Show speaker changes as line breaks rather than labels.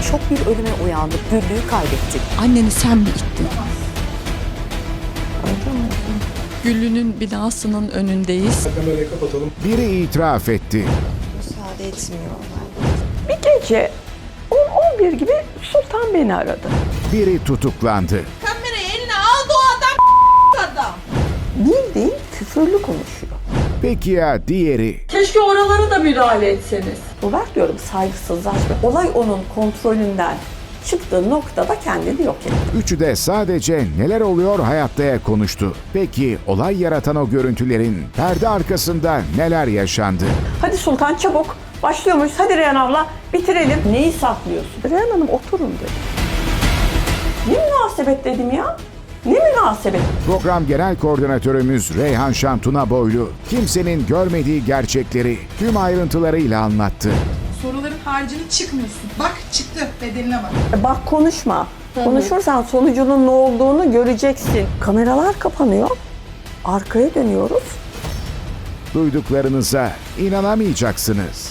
şok bir ölüme uyandık. Güllü'yü kaybettik.
Anneni sen mi ittin? Güllü'nün binasının önündeyiz.
Kamerayı kapatalım.
Biri itiraf etti.
Müsaade etmiyor.
Bir gece 10-11 gibi Sultan beni aradı.
Biri tutuklandı.
Kamerayı eline aldı o adam.
Bildiğin küfürlü konuşuyor.
Peki ya diğeri?
Keşke oralara da müdahale etseniz. Bu bak diyorum saygısızlaşma. Olay onun kontrolünden çıktığı noktada kendini yok etti.
Üçü de sadece neler oluyor hayattaya konuştu. Peki olay yaratan o görüntülerin perde arkasında neler yaşandı?
Hadi Sultan çabuk. Başlıyormuş. Hadi Reyhan abla bitirelim. Neyi saklıyorsun? Reyhan Hanım oturun dedi. Ne münasebet dedim ya? Ne münasebet?
Program Genel Koordinatörümüz Reyhan Şantuna Boylu kimsenin görmediği gerçekleri tüm ayrıntılarıyla anlattı.
Soruların haricinde çıkmıyorsun. Bak çıktı, bedeline bak.
Bak konuşma. Konuşursan sonucunun ne olduğunu göreceksin. Kameralar kapanıyor. Arkaya dönüyoruz.
Duyduklarınıza inanamayacaksınız.